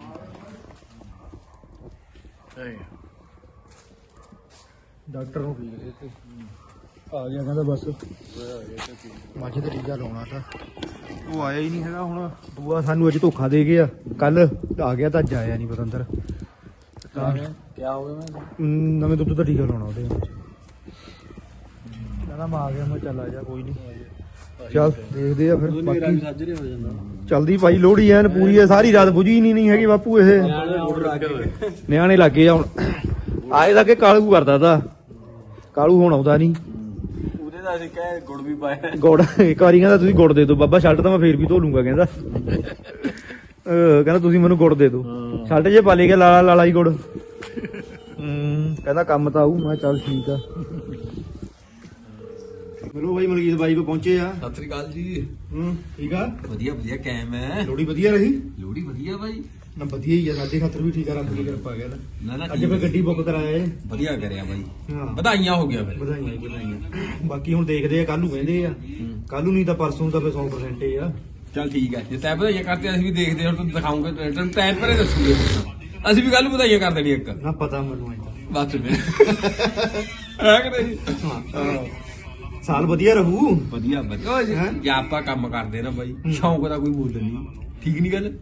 A: ਡਾਕਟਰ ਨੂੰ ਆ ਗਿਆ ਕਹਿੰਦਾ ਬਸ ਮੱਝ ਤੇ ਟੀਕਾ ਲਾਉਣਾ ਤਾਂ ਉਹ ਆਇਆ ਹੀ ਨਹੀਂ ਹੈਗਾ। ਹੁਣ ਦੂਆ ਸਾਨੂੰ ਅੱਜ ਧੋਖਾ ਦੇ ਗਿਆ। ਕੱਲ ਆ ਗਿਆ ਤਾਂ ਅੱਜ ਆਇਆ ਨਹੀਂ ਪਤੰਦਰ। ਤਾਂ
C: ਕਿਆ ਹੋ ਗਿਆ ਮੈਂ
A: ਨਵੇਂ ਦੁੱਧ ਦਾ ਟੀਕਾ ਲਾਉਣਾ ਉਹਦੇ ਵਿੱਚ। ਕਹਿੰਦਾ ਮੈਂ ਆ ਗਿਆ। ਮੈਂ ਚੱਲ ਆ ਜਾ ਕੋਈ ਨਹੀਂ। ਚੱਲ ਦੇਖਦੇ ਆ ਫਿਰ ਬਾਕੀ
C: ਸਾਜਰੇ ਹੋ ਜਾਂਦਾ।
A: ਚਲਦੀ ਭਾਈ ਲੋਹੜੀ ਐਨ ਪੂਰੀ ਹੈ। ਸਾਰੀ ਰਾਤ ਬੁਝੀ ਨਹੀਂ ਹੈਗੀ ਬਾਪੂ ਇਹ। ਨਿਆਣੇ ਲੱਗੇ ਆ ਹੁਣ। ਆਏ ਦਾ ਕਿ ਕਾਲੂ ਕਰਦਾ ਤਾ। ਕਾਲੂ ਹੁਣ ਆਉਂਦਾ ਨਹੀਂ।
C: ਉਹਦੇ ਦਾ ਅਸੀਂ ਕਹਿ ਗੁੜ ਵੀ ਪਾਇਆ।
A: ਗੁੜ ਇੱਕ ਵਾਰੀ ਕਹਿੰਦਾ ਤੁਸੀਂ ਗੁੜ ਦੇ ਦਿਓ ਬਾਬਾ। ਸ਼ਰਟ ਤਾਂ ਮੈਂ ਫੇਰ ਵੀ ਧੋ ਲੂੰਗਾ ਕਹਿੰਦਾ। ਕਹਿੰਦਾ ਤੁਸੀਂ ਮੈਨੂੰ ਗੁੜ ਦੇ ਦਿਓ। ਸ਼ਰਟ ਜੇ ਪਾ ਲਿਆ ਲਾਲਾ ਲਾਲਾ ਹੀ ਗੁੜ। ਕਹਿੰਦਾ ਕੰਮ ਤਾਂ ਆਊ। ਮੈਂ ਚੱਲ ਠੀਕ ਆ। ਚਲੋ ਬਾਈ ਮਲਕੀਤ ਬਾਈ ਕੋ ਪਹੁੰਚੇ ਆ।
C: ਸਤਿ ਸ੍ਰੀ ਅਕਾਲ ਜੀ।
A: ਠੀਕ ਆ।
C: ਵਧੀਆ ਵਧੀਆ ਕਾਇਮ ਹੈ।
A: ਲੋੜੀ ਵਧੀਆ ਰਹੀ।
C: ਲੋੜੀ ਵਧੀਆ ਬਾਈ।
A: ਨਾ ਵਧੀਆ ਹੀ ਆ, ਸਾਡੇ ਖਾਤਰ ਵੀ ਠੀਕ ਆ, ਰੱਬ ਦੀ ਕਿਰਪਾ ਗਿਆ
C: ਨਾ
A: ਅੱਜ ਮੈਂ ਗੱਡੀ ਬੁੱਕ ਕਰਾਇਆ ਏ।
C: ਵਧੀਆ ਕਰਿਆ ਬਾਈ।
A: ਹਾਂ
C: ਵਧਾਈਆਂ ਹੋ ਗਿਆ ਫਿਰ।
A: ਵਧਾਈਆਂ ਵਧਾਈਆਂ। ਬਾਕੀ ਹੁਣ ਦੇਖਦੇ ਆ, ਕੱਲ ਨੂੰ ਕਹਿੰਦੇ ਆ, ਕੱਲ ਨੂੰ ਨਹੀਂ ਤਾਂ ਪਰਸੋਂ ਤਾਂ ਫਿਰ 100% ਹੀ ਆ।
C: ਚੱਲ ਠੀਕ ਹੈ, ਜੇ ਤੈਂ ਵਧਾਈਆਂ ਕਰਤੇ ਅਸੀਂ ਵੀ ਦੇਖਦੇ ਹਾਂ, ਤੈਨੂੰ ਦਿਖਾਉਂਗੇ ਤੈਨੂੰ ਟਾਈਮ ਭਰੇ ਦੱਸੂਗੇ। ਅਸੀਂ ਵੀ ਕੱਲ ਨੂੰ ਵਧਾਈਆਂ ਕਰ ਦੇਣੀ ਇੱਕ
A: ਨਾ ਪਤਾ ਮੈਨੂੰ ਐਂ
C: ਬਸ ਫਿਰ ਹੈ ਕਿ ਨਹੀਂ?
A: ਤਾਂ ਸਾਲ ਵਧੀਆ ਰਹੂ।
C: ਵਧੀਆ ਵਧੀਆ ਜੇ ਆਪਾਂ ਕੰਮ ਕਰਦੇ ਨਾ ਬਾਈ, ਸ਼ੌਂਕ ਦਾ ਕੋਈ ਮੁੱਲ ਨਹੀਂ। ਠੀਕ ਨਹੀਂ ਗੱਲ?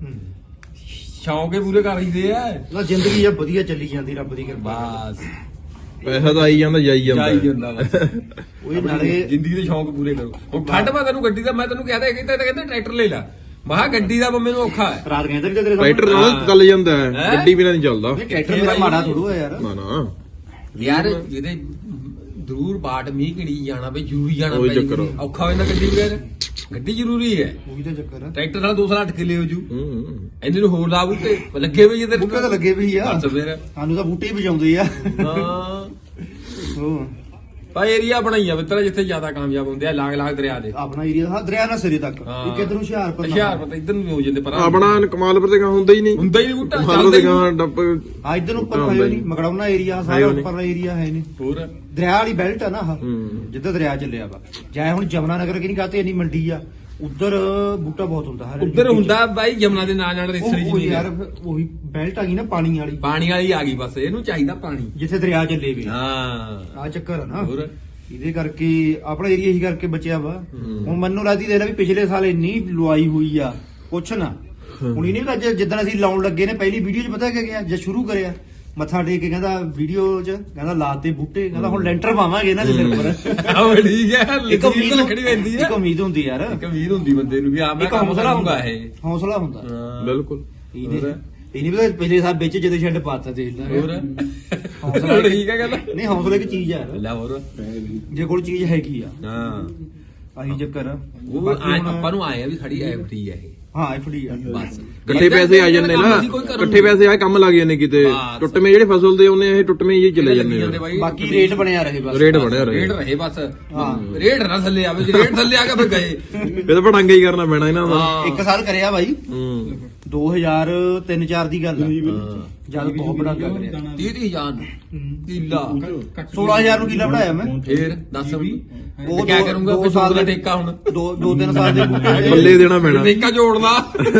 C: ਸ਼ੌਂਕ ਹੀ ਪੂਰੇ ਕਰ ਲਈਦੇ ਆ।
A: ਨਾ ਜ਼ਿੰਦਗੀ ਆ ਵਧੀਆ ਚੱਲੀ ਜਾਂਦੀ, ਰੱਬ ਦੀ ਕਿਰਪਾ।
C: ਬਸ
B: ਪੈਸਾ ਤਾਂ ਆਈ ਜਾਂਦਾ ਜਾਈ
C: ਜਾਈ ਜਾਂਦਾ ਬਸ।
A: ਉਹ ਨਾਲੇ
C: ਜ਼ਿੰਦਗੀ ਦੇ ਸ਼ੌਂਕ ਪੂਰੇ ਕਰੋ। ਹੁਣ ਠੰਡ ਪਾ ਤੈਨੂੰ ਗੱਡੀ ਦਾ, ਮੈਂ ਤੈਨੂੰ ਕਹਿੰਦਾ ਕਹਿੰਦੇ ਟਰੈਕਟਰ ਲੈ ਲੈ। ਮਹਾ ਗੱਡੀ ਦਾ ਮੈਨੂੰ ਔਖਾ ਹੈ।
A: ਰਾਤ ਕਹਿੰਦੇ ਵੀ ਤੇਰੇ
B: ਟਰੈਕਟਰ ਨਾਲ ਚੱਲ ਜਾਂਦਾ ਹੈ, ਗੱਡੀ ਬਿਨਾਂ ਨਹੀਂ ਚੱਲਦਾ।
A: ਟਰੈਕਟਰ ਮੇਰਾ ਮਾੜਾ ਥੋੜੂ ਆ ਯਾਰ।
B: ਨਾ ਨਾ
C: ਯਾਰ ਜਿਹਦੇ ਜ਼ਰੂਰ ਬਾਟ ਮੀਂਹ ਕਿਣੀ ਜਾਣਾ ਬਈ, ਜ਼ਰੂਰੀ ਜਾਣਾ
B: ਉਹੀ
C: ਪੈ
B: ਚੱਕਰ ਆ।
C: ਔਖਾ ਹੋ ਜਾਂਦਾ ਗੱਡੀ ਵਗੈਰ। ਗੱਡੀ ਜ਼ਰੂਰੀ ਹੈ।
A: ਉਹੀ ਤਾਂ ਚੱਕਰ ਆ।
C: ਟਰੈਕਟਰ ਨਾਲ 2 ਸਾਲ 8 ਕਿੱਲੇ ਹੋ ਜੂ।
B: ਹੂੰ
C: ਇਹਦੇ ਨੂੰ ਹੋਰ ਲਾ ਬੂਟੇ ਲੱਗੇ ਹੋਏ ਜਿਹਦੇ
A: ਬੂਟੇ ਤਾਂ ਲੱਗੇ ਵੀ ਆ।
C: ਬਸ ਫਿਰ
A: ਸਾਨੂੰ ਤਾਂ ਬੂਟੇ ਹੀ ਵਜਾਉਂਦੇ ਆ।
C: ਹਾਂ
A: ਉਹ
C: ਭਾਈ ਏਰੀਆ ਬਣਾਈਆ ਮਿੱਤਰਾ ਜਿੱਥੇ ਜ਼ਿਆਦਾ ਕਾਮਯਾਬ ਹੁੰਦੇ ਆ, ਲਾਗ ਲਾਗ ਦਰਿਆ ਦੇ।
A: ਆਪਣਾ ਏਰੀਆ ਹਾਂ ਦਰਿਆ ਨਾਲ ਸਿਰੇ ਤੱਕ।
C: ਹਾਂ।
A: ਇੱਕ ਇਧਰ ਨੂੰ ਹੁਸ਼ਿਆਰਪੁਰ ਨਾਲ।
C: ਹੁਸ਼ਿਆਰਪੁਰ ਤਾਂ ਇੱਧਰ ਨੂੰ ਹੋ ਜਾਂਦੇ ਪਰ
B: ਆਪਣਾ ਕਮਾਲਪੁਰ ਤੇ ਹੁੰਦਾ ਹੀ ਨਹੀਂ।
C: ਹੁੰਦਾ ਹੀ ਨਹੀਂ ਬੂਟਾ,
B: ਕਮਾਲਪੁਰ
C: ਚੱਲਦਾ
B: ਤੇ
C: ਹੀ ਨਹੀਂ।
B: ਗਾਂ ਡੱਪ
A: ਆ ਇਧਰ ਨੂੰ ਉੱਪਰ ਹੈ ਨਹੀਂ, ਮਗੜਾਉਣਾ ਏਰੀਆ ਸਾਰਾ
B: ਹੈ ਨੀ।
A: ਉੱਪਰਲਾ ਏਰੀਆ ਹੈ ਨਹੀਂ।
C: ਹੋਰ
A: ਦਰਿਆ ਵਾਲੀ ਬੈਲਟ ਆ ਨਾ ਆਹ,
B: ਹੂੰ।
A: ਜਿੱਦਾਂ ਦਰਿਆ ਚੱਲਿਆ ਵਾ। ਜਾਏ ਹੁਣ ਜਮਨਾ ਨਗਰ ਕਿ ਨਹੀਂ ਕਹਤੇ, ਇੰਨੀ ਮੰਡੀ ਆ ਉਧਰ, ਬੂਟਾ ਬਹੁਤ ਹੁੰਦਾ ਹਰ
C: ਉੱਧਰ ਹੁੰਦਾ ਬਾਈ ਜਮਨਾ ਦੇ ਨਾਲ ਨਾਲ ਰੇਸੜੀ
A: ਉਹ
C: ਜੀ
A: ਯਾਰ ਉਹੀ ਬੈਲਟ ਆ ਗਈ ਨਾ ਪਾਣੀ ਵਾਲੀ,
C: ਪਾਣੀ ਵਾਲੀ ਆ ਗਈ। ਬਸ ਇਹਨੂੰ ਚਾਹੀਦਾ ਪਾਣੀ।
A: ਜਿੱਥੇ ਦਰਿਆ ਚੱਲੇ ਵੀ।
C: ਹਾਂ
A: ਆ ਚੱਕਰ ਆ ਨਾ।
C: ਹੋਰ
A: ਇਹਦੇ ਕਰਕੇ ਆਪਣਾ ਏਰੀਆ ਹੀ ਕਰਕੇ ਬਚਿਆ ਵਾ। ਹੁਣ ਮੈਨੂੰ ਲੱਗਦੀ ਦੇਖ ਲੈ ਵੀ ਪਿਛਲੇ ਸਾਲ ਇੰਨੀ ਲੁਆਈ ਹੋਈ ਆ, ਕੁਛ ਨਾ। ਹੁਣ ਇਹਨੇ ਵੀ ਅੱਜ ਜਿੱਦਣ ਅਸੀਂ ਲਾਉਣ ਲੱਗੇ ਨੇ, ਪਹਿਲੀ ਵੀਡੀਓ 'ਚ ਪਤਾ ਕੀ ਗਿਆ, ਜਦ ਸ਼ੁਰੂ ਕਰਿਆ ਮੱਥਾ ਟੇਕ ਕੇ ਕਹਿੰਦਾ ਵੀਡੀਓ 'ਚ ਕਹਿੰਦਾ ਲਾਤੇ ਬੂਟੇ, ਕਹਿੰਦਾ ਹੁਣ ਲੈਂਟਰ ਪਾਵਾਂਗੇ ਇਹਨਾਂ ਦੇ ਸਿਰ ਪਰ।
C: ਆਹ ਠੀਕ ਹੈ।
A: ਇੱਕ ਉਮੀਦ
C: ਰੱਖਣੀ ਪੈਂਦੀ ਹੈ।
A: ਇੱਕ ਉਮੀਦ ਹੁੰਦੀ ਯਾਰ,
C: ਇੱਕ ਉਮੀਦ ਹੁੰਦੀ ਬੰਦੇ ਨੂੰ ਵੀ ਆ ਮੈਂ
A: ਇੱਕ
C: ਕੰਮ
A: ਹੌਸਲਾ
C: ਕਰਾਂਗਾ
A: ਹੁੰਦਾ,
C: ਇਹ।
A: ਹੌਸਲਾ ਹੁੰਦਾ।
C: ਹਾਂ
B: ਬਿਲਕੁਲ।
A: ਇਹਨੇ ਵੀ ਪਿਛਲੇ ਸਾਲ ਵਿੱਚ ਜਦੋਂ ਛੱਡ ਪਾਤਾ ਦੇਖ ਲੈ।
C: ਹੋਰ
A: ਹੌਸਲਾ
C: ਠੀਕ ਹੈ ਗੱਲ।
A: ਨਹੀਂ ਹੌਸਲਾ ਇੱਕ ਚੀਜ਼ ਆ ਯਾਰ,
C: ਲੈ ਹੋਰ
A: ਜੇ ਕੋਲ ਚੀਜ਼ ਹੈਗੀ ਆ
C: ਹਾਂ
A: ਆਹੀ ਚੱਕਰ ਆ।
C: ਉਹ
A: ਬਾਕੀ ਹੁਣ-
C: ਆਪਾਂ ਨੂੰ ਆਇਆ ਵੀ ਸਾਡੀ ਐਫਡੀ ਹੈ ਇਹ।
A: ਹਾਂ ਐਫਡੀ ਆ
C: ਬਸ
B: ਇਕੱਠੇ ਪੈਸੇ ਆ ਜਾਂਦੇ ਨਾ, ਇਕੱਠੇ ਪੈਸੇ ਆ ਕੰਮ ਲੱਗ ਜਾਂਦੇ ਕਿਤੇ।
C: ਬਸ।
B: ਟੁੱਟਵੇਂ ਜਿਹੜੇ ਫਸਲ ਦੇ ਉਹਨੇ ਇਹ ਟੁੱਟਵੇਂ ਹੀ ਚਲੇ ਜਾਂਦੇ ਆ।
A: ਬਾਕੀ ਰੇਟ ਬਣਿਆ ਰਹੇ ਬਸ।
B: ਰੇਟ ਬਣਿਆ ਰਹੇ।
C: ਰੇਟ ਰਹੇ ਬਸ।
A: ਹਾਂ।
C: ਰੇਟ ਨਾ ਥੱਲੇ ਆਵੇ, ਜੇ ਰੇਟ ਥੱਲੇ ਆ ਗਿਆ ਫਿਰ ਗਏ।
B: ਇਹ ਤਾਂ ਪੜਾਂਗਾ ਹੀ ਕਰਨਾ ਪੈਣਾ ਇਹਨਾਂ ਦਾ।
C: ਹਾਂ
A: ਇੱਕ ਸਾਲ ਕਰਿਆ ਬਾਈ,
B: ਹੂੰ
A: 2003-4 ਦੀ ਗੱਲ ਆ, ਜਦ ਬਹੁਤ ਬੜਾ ਕਰਿਆ।
C: 30,000 ਕਿੱਲਾ
A: 16,000 ਨੂੰ ਕਿੱਲਾ ਬਣਾਇਆ ਮੈਂ।
C: ਫੇਰ ਦੱਸ ਵੀ
A: ਉਹ
C: ਕਿਆ ਕਰੂੰਗਾ
A: ਦੋ
C: ਫਿਰ
A: ਸਾਲ
C: ਦਾ
A: ਦੇ
C: ਠੇਕਾ ਹੁਣ
A: 2-3 ਸਾਲ ਦੇ ਬੂਟੇ ਤੇ
B: ਪੱਲੇ ਦੇਣਾ ਪੈਣਾ।
C: ਠੇਕਾ ਜੋੜਨਾ।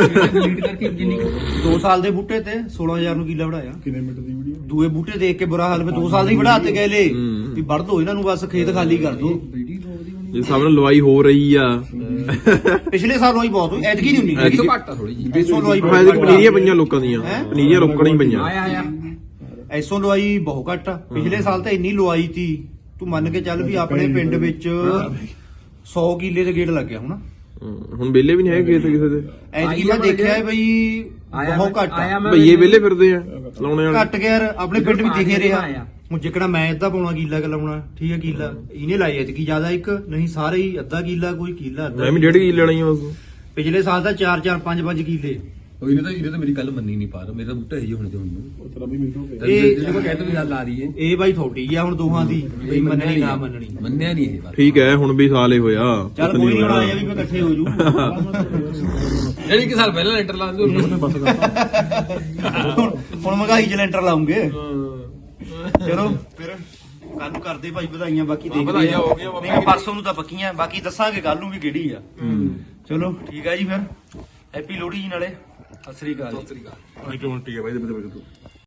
A: 2 ਸਾਲ ਦੇ ਬੂਟੇ ਤੇ 16,000 ਨੂੰ ਕਿੱਲਾ ਬਣਾਇਆ।
D: ਕਿੰਨੇ ਮਿੰਟ ਦੀ ਵੀਡੀਓ?
A: ਦੂਏ ਬੂਟੇ ਦੇਖ ਕੇ ਬੁਰਾ ਹਾਲ, 2 ਸਾਲ ਦੇ ਹੀ ਵਧਾਤੇ ਗਏ ਲੈ
B: ਹੂੰ।
A: ਵੀ ਵੜ ਦੋ ਇਹਨਾਂ ਨੂੰ, ਬਸ ਖੇਤ ਖਾਲੀ ਕਰ ਦੋ।
B: ਜੇ ਸਭ ਨਾਲ ਲਵਾਈ ਹੋ ਰਹੀ ਆ।
A: ਪਿਛਲੇ ਸਾਲ ਹੋਈ ਬਹੁਤ ਹੋਈ, ਐਤਕੀ ਨਹੀਂ ਹੁੰਦੀ
C: ਐਸੋ ਘੱਟ ਆ ਥੋੜੀ ਜੀ।
A: ਐਸੋ ਲਵਾਈ
B: ਫਾਇਦੇ
A: ਬਹੁਤ ਘੱਟ
B: ਪਨੀਰੀਆਂ ਪਈਆਂ ਲੋਕਾਂ ਦੀਆਂ,
A: ਹੈਂ?
B: ਪਨੀਰੀਆਂ ਰੋਕਣ ਹੀ ਪਈਆਂ।
C: ਆਇਆ
A: ਐਸੋ ਲਵਾਈ ਬਹੁਤ ਘੱਟ ਆ। ਪਿਛਲੇ ਸਾਲ ਤਾਂ ਇੰਨੀ ਲਵਾਈ ਤੀ, ਤੂੰ ਮੰਨ ਕੇ ਚੱਲ ਵੀ ਆਪਣੇ ਪਿੰਡ ਵਿੱਚ 100 ਕਿੱਲੇ ਦੇ ਗੇੜ ਲੱਗਿਆ ਹੁਣ।
B: ਹੁਣ ਵਿਹਲੇ ਵੀ ਨਹੀਂ ਹੈਗੇ ਕਿਸੇ ਦੇ।
A: ਐਤਕੀ ਮੈਂ ਦੇਖਿਆ ਬਈ ਬਹੁਤ ਘੱਟ ਆ।
B: ਭਈਏ ਵਿਹਲੇ ਫਿਰਦੇ ਆ ਲਾਉਣੇ ਵਾਲੇ।
A: ਘੱਟ ਗਿਆ ਯਾਰ, ਆਪਣੇ ਪਿੰਡ ਵੀ ਦਿਖੇ ਰਿਹਾ। ਹੁਣ ਜਿਕਣਾ ਮੈਂ ਅੱਧਾ ਪਾਉਣਾ ਕਿੱਲਾ ਕਿ ਲਾਉਣਾ, ਠੀਕ ਹੈ ਕਿੱਲਾ ਇਹਨੇ ਲਾਈ ਐਤਕੀ ਜ਼ਿਆਦਾ, ਇੱਕ ਨਹੀਂ ਸਾਰੇ ਹੀ ਅੱਧਾ ਕਿੱਲਾ, ਕੋਈ ਕਿੱਲਾ ਅੱਧਾ।
B: ਮੈਂ ਵੀ 1.5 ਕਿੱਲੇ ਲੈਣੀ ਆ ਉਸ।
A: ਪਿਛਲੇ ਸਾਲ ਤਾਂ 4-4 5-5 ਕਿੱਲੇ।
C: ਇਹਨੇ ਤਾਂ ਮੇਰੀ ਗੱਲ ਮੰਨੀ ਨਹੀਂ ਪਾ ਰਿਹਾ। ਮੇਰਾ ਬੂਟਾ ਹੀ ਹੁਣ ਤੇ ਹੁਣ
D: ਉਹ ਤਰ੍ਹਾਂ ਵੀ ਮੈਨੂੰ
A: ਇਹ
C: ਜਦੋਂ ਕਹਿੰਦਾ ਵੀ ਗੱਲ ਆ ਰਹੀ ਹੈ,
A: ਇਹ ਬਾਈ ਥੋੜੀ ਆ ਹੁਣ ਦੋਹਾਂ ਦੀ, ਬਈ ਮੰਨਣੀ ਨਾ ਮੰਨਣੀ।
C: ਮੰਨਿਆ ਨਹੀਂ ਇਹ ਬਾਤ।
B: ਠੀਕ ਹੈ ਹੁਣ ਵੀ ਸਾਲ ਹੀ ਹੋਇਆ।
A: ਚੱਲ ਕੋਈ ਨਹੀਂ, ਹੁਣ ਆਇਆ ਵੀ ਮੈਂ ਇਕੱਠੇ ਹੋ ਜੂ।
C: ਯਾਨੀ ਕਿ ਸਾਲ ਪਹਿਲਾਂ ਲੈਂਟਰ ਲਾ ਦਿਓ।
A: ਹੁਣ ਮਹਿੰਗਾਈ ਚ ਲੈਂਟਰ ਲਾਉਂਗੇ। ਚਲੋ ਫਿਰ ਕੱਲ ਨੂੰ ਕਰਦੇ ਭਾਈ ਵਧਾਈਆਂ, ਬਾਕੀ ਦੇਖਦੇ
C: ਵਧਾਈਆਂ
A: ਆ।
C: ਹੋ ਗਈਆਂ,
A: ਨਹੀਂ ਪਰਸੋਂ ਨੂੰ ਤਾਂ ਪੱਕੀਆਂ, ਬਾਕੀ ਦੱਸਾਂਗੇ ਕੱਲ ਨੂੰ ਵੀ ਕਿਹੜੀ ਆ। ਚਲੋ ਠੀਕ ਆ ਜੀ, ਫਿਰ ਹੈਪੀ ਲੋਹੜੀ ਜੀ ਨਾਲੇ। ਸਤਿ ਸ੍ਰੀ ਅਕਾਲ।
C: ਸਤਿ ਸ੍ਰੀ ਅਕਾਲ।
B: ਠੀਕ ਹੈ ਬਾਈ।